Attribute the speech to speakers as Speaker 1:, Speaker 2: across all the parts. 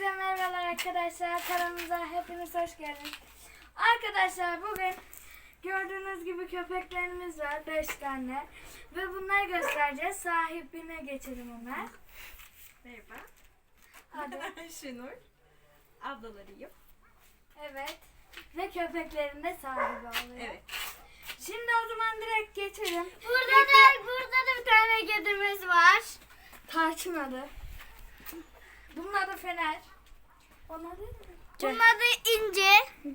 Speaker 1: Herkese merhabalar arkadaşlar. Kanalımıza hepiniz hoş geldiniz. Arkadaşlar bugün gördüğünüz gibi köpeklerimiz var. 5 tane. Ve bunları göstereceğiz. Sahibine geçelim hemen.
Speaker 2: Merhaba.
Speaker 1: Hadi.
Speaker 2: Şenur. Ablalarıyım.
Speaker 1: Evet. Ve köpeklerin de sahibi oluyor.
Speaker 2: Evet.
Speaker 1: Şimdi o zaman direkt geçelim.
Speaker 3: Burada da bir tane kedimiz var.
Speaker 1: Tarçın adı. Bunun adı Fener. Onun adı ne?
Speaker 3: Bunun adı İnce.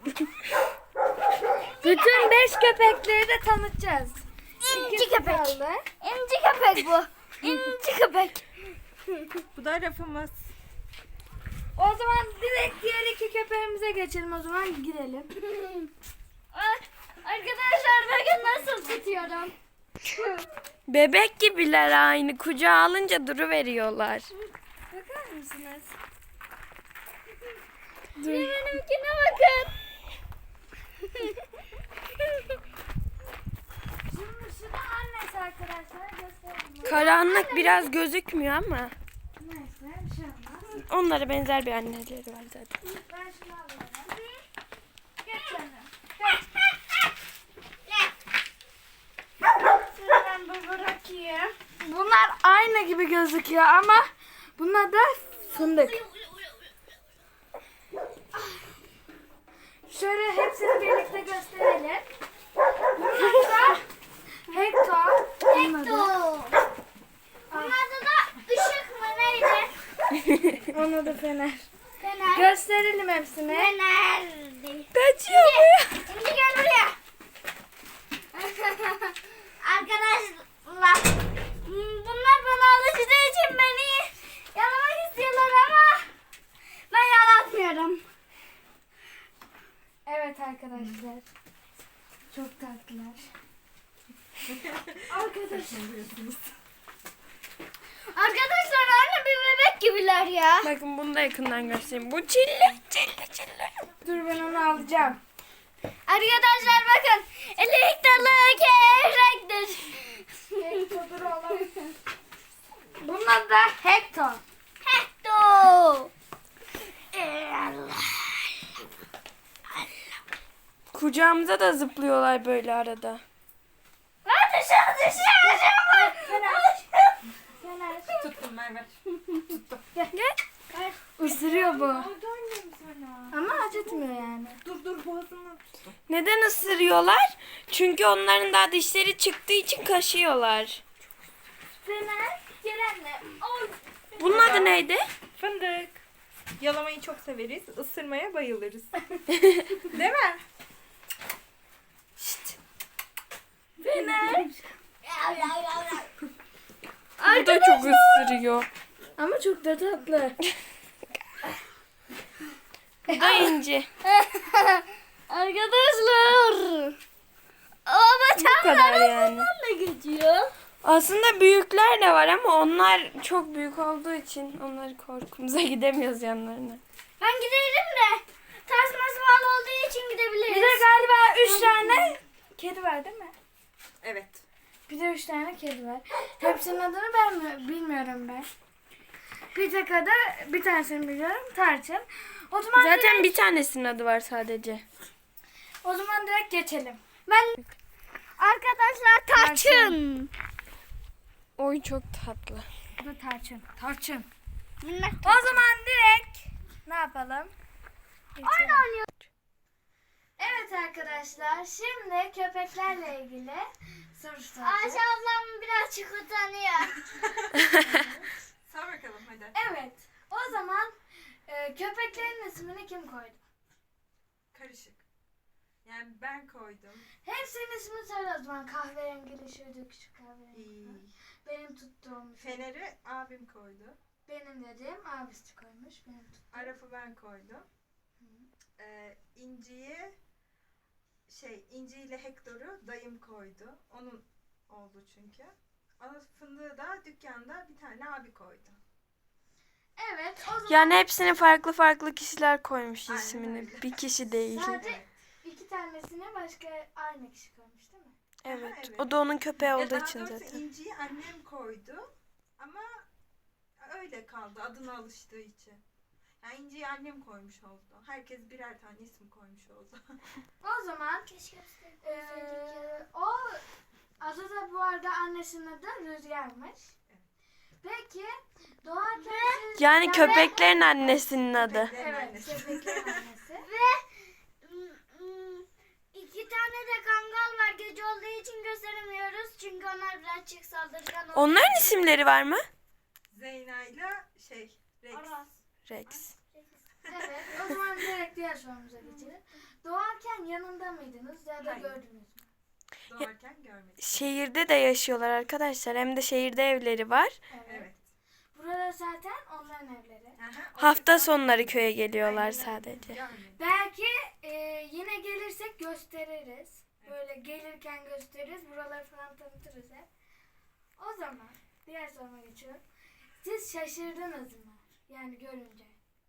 Speaker 1: Bütün 5 köpekleri de tanıtacağız.
Speaker 3: İnci
Speaker 1: İkisi
Speaker 3: köpek.
Speaker 1: kaldı.
Speaker 3: İnci köpek bu. İnci köpek.
Speaker 2: Bu da rafımız.
Speaker 1: O zaman direkt diğer 2 köpeğimize geçelim, o zaman girelim.
Speaker 3: Arkadaşlar bakın nasıl tutuyorum.
Speaker 4: Bebek gibiler aynı. Kucağa alınca duruveriyorlar.
Speaker 1: Bakar mısınız?
Speaker 3: Benimkine bakın.
Speaker 1: Şimdi şu da annesi arkadaşlar. Göstereyim.
Speaker 4: Karanlık biraz gözükmüyor ama
Speaker 1: Neyse bir şey olmaz.
Speaker 4: onlara benzer bir anneleri var zaten.
Speaker 1: Ben şunu alıyorum. Geç canım.
Speaker 3: Şunu ben bu bırakayım.
Speaker 1: Bunlar aynı gibi gözüküyor ama bunlar da fındık. Şöyle hepsini birlikte gösterelim. Bunlar da Hector.
Speaker 3: Hector. Bunun adı da Işık mı neydi?
Speaker 1: Onun adı Fener.
Speaker 3: Fener.
Speaker 1: Gösterelim hepsini.
Speaker 3: Fener.
Speaker 4: Kaçıyor bu.
Speaker 3: İnci gel buraya. Arkadaşlar bunlar bana alıştığı için beni yalamak istiyorlar ama ben yalatmıyorum.
Speaker 1: Evet arkadaşlar. Çok tatlılar. Arkadaşlar.
Speaker 3: Arkadaşlar aynı bir bebek gibiler ya.
Speaker 4: Bakın bunu da yakından göstereyim. Bu çilli.
Speaker 1: Dur ben onu alacağım.
Speaker 3: Arkadaşlar bakın elektrikli kevrektir.
Speaker 1: Hector'dur oğlum. Bunun adı da Hector.
Speaker 3: Hector.
Speaker 4: Kucağımıza da zıplıyorlar böyle arada.
Speaker 3: Dışarı.
Speaker 1: Fener.
Speaker 2: Tuttum Merve.
Speaker 4: Gel.
Speaker 1: Isırıyor bu.
Speaker 2: Dönmeyeyim sana.
Speaker 1: Ama acıtmıyor yani.
Speaker 2: Dur boğazını tuttum.
Speaker 4: Neden ısırıyorlar? Çünkü onların daha dişleri çıktığı için kaşıyorlar.
Speaker 1: Fener. Gel anne. Oy.
Speaker 4: Bunun adı neydi?
Speaker 2: Fındık. Yalamayı çok severiz. Isırmaya bayılırız. Değil mi?
Speaker 1: Fener.
Speaker 4: Bu da çok ısırıyor.
Speaker 1: Ama çok da tatlı.
Speaker 4: Bu da inci.
Speaker 3: Arkadaşlar.
Speaker 4: Bu kadar yani.
Speaker 3: Ne geçiyor?
Speaker 4: Aslında büyükler de var ama onlar çok büyük olduğu için onları korkumuza gidemiyoruz yanlarına.
Speaker 3: Ben giderim de tasması bağlı olduğu için gidebiliriz.
Speaker 1: Bir de galiba 3 tane kedi var değil mi?
Speaker 2: Evet.
Speaker 1: Bir de 3 tane kedi var. Hepsinin adını ben bilmiyorum ben. Bir tek adı, bir tanesini biliyorum. Tarçın. O zaman
Speaker 4: Zaten bir tanesinin adı var sadece.
Speaker 1: direkt geçelim.
Speaker 3: Ben arkadaşlar tarçın.
Speaker 4: Oy çok tatlı.
Speaker 1: Bu da tarçın. Tarçın.
Speaker 3: Minnak
Speaker 1: O zaman direkt ne yapalım? Geçelim.
Speaker 3: oynuyor.
Speaker 1: Evet arkadaşlar, şimdi köpeklerle ilgili soru soracağız.
Speaker 3: Ayşe ablam birazcık utanıyor.
Speaker 2: Sor bakalım hadi.
Speaker 1: Evet, o zaman köpeklerin ismini kim koydu?
Speaker 2: Karışık. Yani ben koydum.
Speaker 1: Hepsinin ismini söyle o zaman. Kahverengili, şöyle küçük kahverengi.
Speaker 2: İyi.
Speaker 1: Benim tuttuğum.
Speaker 2: Fener'i abim koydu.
Speaker 1: Benim dediğim abisi koymuş. Benim tuttuğum.
Speaker 2: Araf'ı ben koydum. İnci'yi İnci ile Hector'u dayım koydu. Onun oldu çünkü. Ama fındığı da dükkanda bir tane abi koydu.
Speaker 1: Evet, o zaman
Speaker 4: Yani hepsine farklı farklı kişiler koymuş
Speaker 2: Aynen
Speaker 4: ismini.
Speaker 2: öyle.
Speaker 4: Bir kişi değil.
Speaker 1: sadece 2 tanesine başka aynı kişi koymuş değil mi?
Speaker 4: Evet.
Speaker 2: evet.
Speaker 4: O da onun köpeği
Speaker 2: Ya
Speaker 4: olduğu
Speaker 2: daha
Speaker 4: için
Speaker 2: doğrusu
Speaker 4: zaten.
Speaker 2: İnci'yi annem koydu. Ama öyle kaldı adına alıştığı için. Yani İnci'yi annem koymuş oldu. Herkes birer tane isim koymuş oldu.
Speaker 1: O zaman
Speaker 3: Keşke gösterseydik ya.
Speaker 1: o adı da bu arada annesinin adı Rüzgar'mış. Peki doğarken siz...
Speaker 4: Yani köpeklerin annesinin adı.
Speaker 2: Köpeklerin
Speaker 1: Evet,
Speaker 2: annesi.
Speaker 1: köpeklerin annesi.
Speaker 3: İki tane de kangal var. Gece olduğu için gösteremiyoruz. Çünkü onlar birazcık saldırgan.
Speaker 4: Onların isimleri var mı?
Speaker 2: Zeyna'yla Rex.
Speaker 3: Aras.
Speaker 4: Rex.
Speaker 1: Evet, o zaman direkt diğer sorumuza geçelim. Doğarken yanında mıydınız ya da
Speaker 2: Hayır.
Speaker 1: gördünüz mü?
Speaker 2: Doğarken görmedik.
Speaker 4: Şehirde de yaşıyorlar arkadaşlar. Hem de şehirde evleri var.
Speaker 2: Evet.
Speaker 1: Burada zaten onların evleri.
Speaker 2: Aha, o
Speaker 4: Hafta
Speaker 2: yüzden
Speaker 4: sonları köye geliyorlar
Speaker 2: aynen
Speaker 4: sadece.
Speaker 2: görmedik.
Speaker 1: Belki yine gelirsek gösteririz. Böyle gelirken gösteririz. Buraları falan tanıtırız hep. O zaman diğer soruma geçiyorum. Siz şaşırdınız mı? Yani görünce.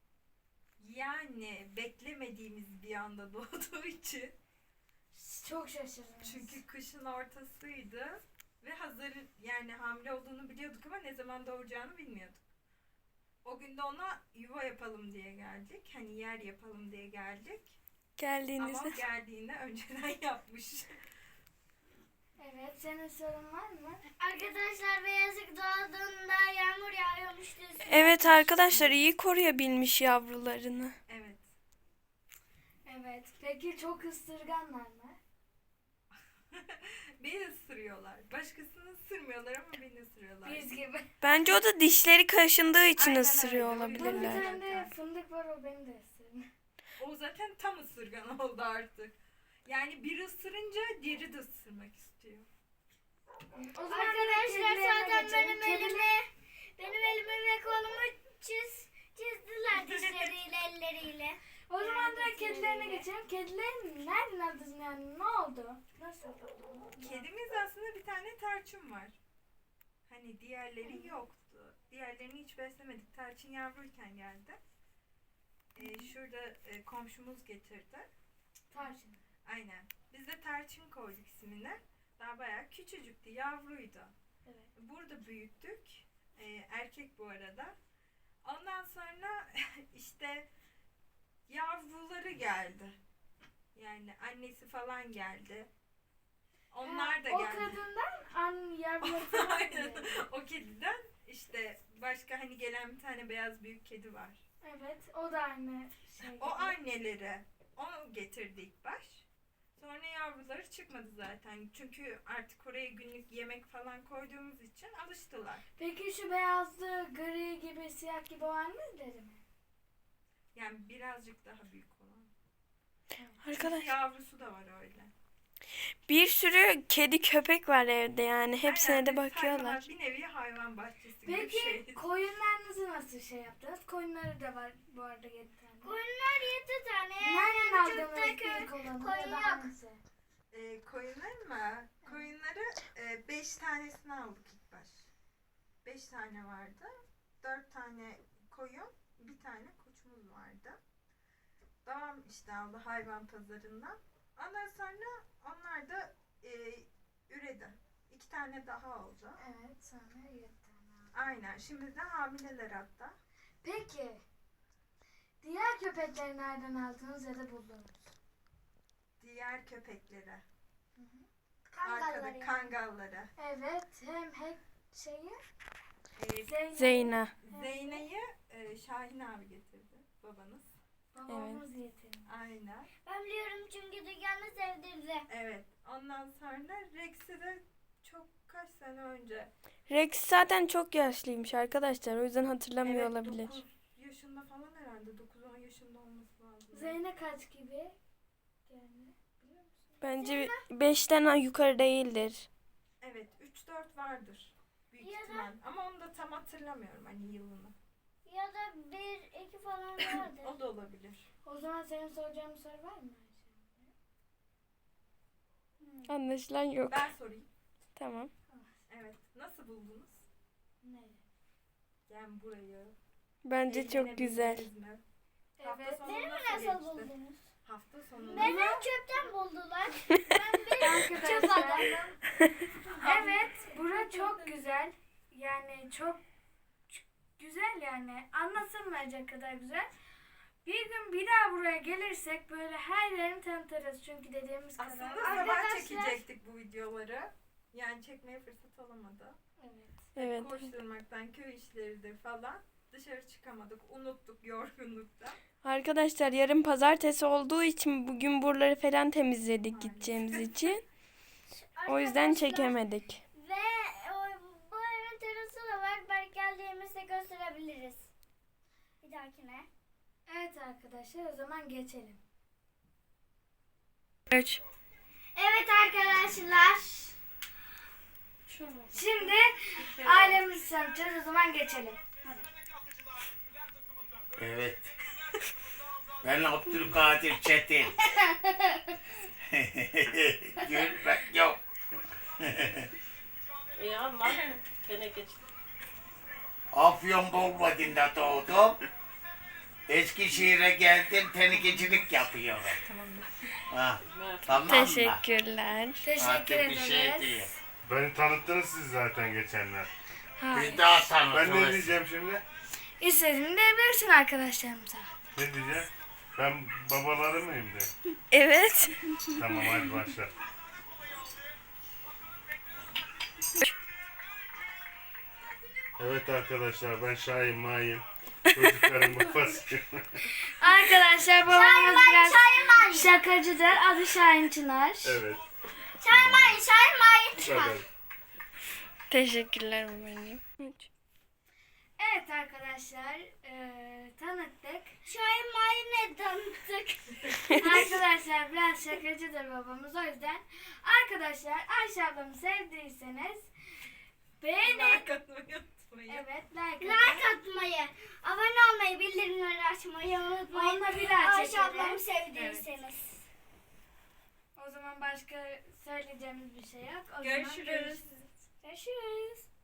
Speaker 2: Yani beklemediğimiz bir anda doğduğu için.
Speaker 1: Çok şaşırdınız.
Speaker 2: Çünkü kışın ortasıydı. Ve hazır yani hamile olduğunu biliyorduk ama ne zaman doğuracağını bilmiyorduk. O gün de ona yuva yapalım diye geldik. Hani yer yapalım diye geldik. Ama
Speaker 4: Geldiğinizde.
Speaker 2: geldiğinde önceden yapmış.
Speaker 1: Evet, senin sorun var mı?
Speaker 3: Arkadaşlar Beyazık doğduğunda yağmur yağıyormuştu.
Speaker 4: Evet arkadaşlar iyi koruyabilmiş yavrularını.
Speaker 2: Evet.
Speaker 1: Evet. Peki çok ısırganlar mı?
Speaker 2: Beni ısırıyorlar. Başkasını ısırmıyorlar ama beni ısırıyorlar.
Speaker 1: Biz gibi.
Speaker 4: Bence o da dişleri kaşındığı için
Speaker 2: Aynen
Speaker 4: ısırıyor
Speaker 2: öyle, o yüzden.
Speaker 1: Bunun
Speaker 4: olabilirler.
Speaker 1: üzerinde fındık var, o beni de ısırdı.
Speaker 2: O zaten tam ısırgan oldu artık. Yani bir ısırınca diğeri de ısırmak istiyor.
Speaker 1: O zaman
Speaker 3: Arkadaşlar
Speaker 1: kedilerine
Speaker 3: zaten
Speaker 1: geçelim.
Speaker 3: benim elimi ve kolumu çizdiler dişleriyle elleriyle.
Speaker 1: O zaman da
Speaker 3: Yani
Speaker 1: kedilerine
Speaker 3: kedilerine.
Speaker 1: geçelim. Kedilerin nereden aldınız yani? Ne oldu? Nasıl oldu?
Speaker 2: Kedimiz aslında bir tane tarçın var. Hani diğerleri yoktu. Diğerlerini hiç beslemedik. Tarçın yavruyken geldi. Şurada komşumuz getirdi.
Speaker 1: Tarçın.
Speaker 2: Aynen. Biz de tarçın koyduk ismini. Daha bayağı küçücüktü, yavruydu.
Speaker 1: Evet.
Speaker 2: Burada büyüttük. Erkek bu arada. Ondan sonra işte yavruları geldi. Yani annesi falan geldi. Onlar da
Speaker 1: O
Speaker 2: geldi.
Speaker 1: kadından yavruları falan
Speaker 2: Aynen.
Speaker 1: geliyor.
Speaker 2: O kediden işte başka hani gelen bir tane beyaz büyük kedi var.
Speaker 1: Evet, o da aynı şey.
Speaker 2: O anneleri onu getirdi ilk baş. Sonra yavruları çıkmadı zaten. Çünkü artık oraya günlük yemek falan koyduğumuz için alıştılar.
Speaker 1: Peki şu beyazlı, gri gibi, siyah gibi o anneleri mi?
Speaker 2: Yani birazcık daha büyük olan.
Speaker 4: Arkadaş
Speaker 2: Yavrusu da var öyle.
Speaker 4: bir sürü kedi köpek var evde yani. Hepsine
Speaker 2: Aynen,
Speaker 4: de
Speaker 2: biz
Speaker 4: bakıyorlar.
Speaker 2: hayvanat- Bir nevi hayvan bahçesi gibi bir
Speaker 1: Peki
Speaker 2: şey.
Speaker 1: koyunlarınızı nasıl şey yaptınız? Koyunları da var bu arada 7 tane.
Speaker 3: Koyunlar 7 tane.
Speaker 1: Nereden
Speaker 3: Çok da
Speaker 1: aldınız ilk olanı?
Speaker 3: koyun
Speaker 1: Ya da
Speaker 3: yok.
Speaker 1: hangisi?
Speaker 2: Koyunlar mı? Koyunları 5 tanesini aldık ilk baş. 5 tane vardı. 4 tane koyun, bir tane koçumuz vardı. Babam işte aldı hayvan pazarından. Ondan sonra onlar da üredi. 2 tane daha oldu.
Speaker 1: Evet, sonra 7 tane.
Speaker 2: Aynen. Şimdi de hamileler hatta.
Speaker 1: Peki diğer köpekleri nereden aldınız ya da buldunuz?
Speaker 2: Diğer köpekleri.
Speaker 3: Kangalları
Speaker 2: Arkada
Speaker 3: yani.
Speaker 2: kangalları.
Speaker 1: Evet, hem şeyi
Speaker 2: Ee,
Speaker 4: Zeyna.
Speaker 2: Zeyna'yı Şahin abi getirdi. Babanız.
Speaker 1: babamız getirdi.
Speaker 2: Aynen.
Speaker 3: Ben biliyorum çünkü dükkanı sevdirdi.
Speaker 2: Evet. Ondan sonra Rex'i de çok kaç sene önce.
Speaker 4: Rex zaten çok yaşlıymış arkadaşlar. O yüzden hatırlamıyor
Speaker 2: Evet,
Speaker 4: olabilir.
Speaker 2: 9 yaşında falan herhalde. 9-10 yaşında olması lazım.
Speaker 1: Zeynep kaç gibi? Yani biliyor musun?
Speaker 4: Bence 5'ten yukarı değildir.
Speaker 2: Evet. 3-4 vardır. Büyük
Speaker 3: Ya da-
Speaker 2: ihtimal. Ama onu da tam hatırlamıyorum hani yılını.
Speaker 3: Ya da 1-2 falan vardı.
Speaker 2: O da olabilir.
Speaker 1: O zaman senin soracağın bir soru var mı?
Speaker 4: Anlaşılan yok.
Speaker 2: Ben sorayım.
Speaker 4: Tamam.
Speaker 2: Evet. Nasıl buldunuz?
Speaker 1: Ne?
Speaker 2: Yani burayı.
Speaker 4: Bence çok güzel.
Speaker 2: Eğlenebildiniz mi? Hafta
Speaker 1: Evet.
Speaker 2: sonu
Speaker 3: Beni mi
Speaker 2: nasıl
Speaker 3: nasıl
Speaker 2: geçti?
Speaker 3: buldunuz?
Speaker 2: Hafta sonu.
Speaker 3: Beni çöpten buldular. Ben bir çöp
Speaker 1: Arkadaşlar.
Speaker 3: adamım.
Speaker 1: Evet, bura çok güzel. Yani çok güzel yani. Anlatılmayacak kadar güzel. Bir gün bir daha buraya gelirsek böyle her yerini tanıtırız. Çünkü dediğimiz kadar.
Speaker 2: Aslında sabah çekecektik bu videoları. Yani çekmeye fırsat olamadı.
Speaker 1: Evet.
Speaker 4: Evet.
Speaker 2: Koşturmaktan, köy işleridir falan. Dışarı çıkamadık, unuttuk yorgunlukta.
Speaker 4: Arkadaşlar yarın pazartesi olduğu için bugün buraları falan temizledik gideceğimiz için. O yüzden
Speaker 3: Arkadaşlar,
Speaker 4: çekemedik.
Speaker 3: Ve bu evin terası da var. Belki geldiğimizde gösterebiliriz. Bir dahakine.
Speaker 1: Evet arkadaşlar o zaman geçelim.
Speaker 4: 3.
Speaker 3: Evet arkadaşlar.
Speaker 1: Şimdi ailemizi tanıtacağız. O zaman geçelim.
Speaker 5: Evet. Ben Abdülkadir Çetin. Gülmek yok.
Speaker 6: İyi ama teneke
Speaker 5: Afyon Bolvadin'de doğdum. Eskişehir'e geldim, tenekecilik yapıyorum. Ha, tamam mı?
Speaker 4: Teşekkürler.
Speaker 1: Teşekkür
Speaker 5: Artık bir şey
Speaker 1: ederiz.
Speaker 5: değil.
Speaker 7: Beni tanıttınız siz zaten geçenler.
Speaker 5: Bir daha
Speaker 7: Ben ne
Speaker 5: tanıtırız.
Speaker 7: diyeceğim şimdi?
Speaker 1: İstediğini diyebilirsin arkadaşlarımıza.
Speaker 7: Ne diyeceğim? Ben babaları mıyım de?
Speaker 4: Evet.
Speaker 7: Tamam hadi başla. Evet arkadaşlar ben Şahin Mahin. Çocukların babasıyım.
Speaker 1: Arkadaşlar babamız biraz
Speaker 3: Şahin
Speaker 1: şakacıdır. Adı Şahin Çınar.
Speaker 7: Evet.
Speaker 3: Şahin
Speaker 7: Bu kadar.
Speaker 4: Teşekkürler babacığım. 3.
Speaker 1: Evet arkadaşlar tanıttık.
Speaker 3: Şahin Mahin'e tanıttık.
Speaker 1: Arkadaşlar biraz şakacıdır babamız o yüzden. Arkadaşlar Ayşe ablamı sevdiyseniz beğenin.
Speaker 2: Like atmayı unutmayın.
Speaker 1: Evet like
Speaker 3: Like
Speaker 1: atın.
Speaker 3: atmayı, abone olmayı, bildirimleri açmayı unutmayın.
Speaker 1: Onunla bir daha
Speaker 3: Ayşe
Speaker 1: çekelim.
Speaker 3: ablamı sevdiyseniz.
Speaker 1: O zaman başka söyleyeceğimiz bir şey yok. O zaman
Speaker 2: Görüşürüz.
Speaker 1: Görüşürüz.